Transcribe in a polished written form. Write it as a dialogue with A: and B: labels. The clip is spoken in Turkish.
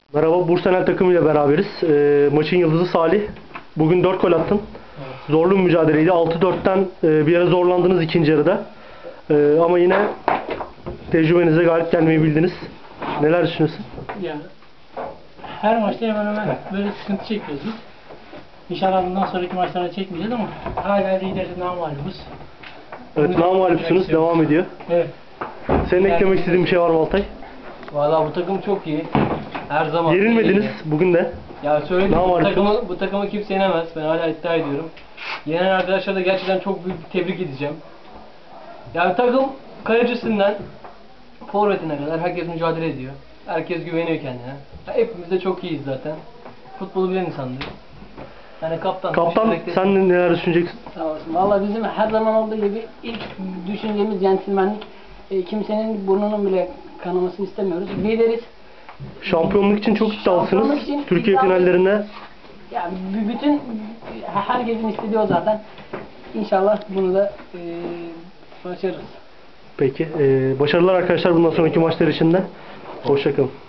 A: Merhaba, Bursenel takımıyla beraberiz. Maçın yıldızı Salih. Bugün 4 gol attın.
B: Evet.
A: Zorlu bir mücadeleydi. 6-4'ten bir ara zorlandınız ikinci yarıda. Ama yine tecrübenize galip gelmeyi bildiniz. Neler düşünüyorsun?
B: Yani her maçta hemen hemen böyle sıkıntı çekiyoruz biz. İnşallah bundan sonraki maçlarda çekmeyeceğiz ama hala lideriz, namalubuz.
A: Evet, namağlupsunuz. Devam ediyor.
B: Evet.
A: Senin eklemek istediğin bir şey var mı Altay?
C: Valla bu takım çok iyi. Her zaman
A: Yenilmediniz
C: iyi.
A: bugün de.
C: Ya söyledim,
A: Namalupsunuz.
C: bu takımı kimse yenemez. Ben hala iddia ediyorum. Yenen arkadaşlara da gerçekten çok büyük bir tebrik edeceğim. Yani takım kalecisinden forvetine kadar herkes mücadele ediyor. Herkes güveniyor kendine. Ya hepimiz de çok iyiyiz zaten. Futbolu bilen insandır. Yani
A: Kaptan, sen neler düşüneceksin?
D: Sağ olasın. Valla bizim her zaman olduğu gibi ilk düşüncemiz centilmenlik. Kimsenin burnunun bile kanamasını istemiyoruz. Lideriz.
A: Şampiyonluk için çok iddialısınız.
D: Şampiyonluk için
A: Türkiye
D: iddialıyız.
A: finallerine
D: Yani bütün herkesin istediği o zaten. İnşallah bunu da başarırız.
A: peki. Başarılar arkadaşlar bundan sonraki maçlar için de. Hoşça kalın.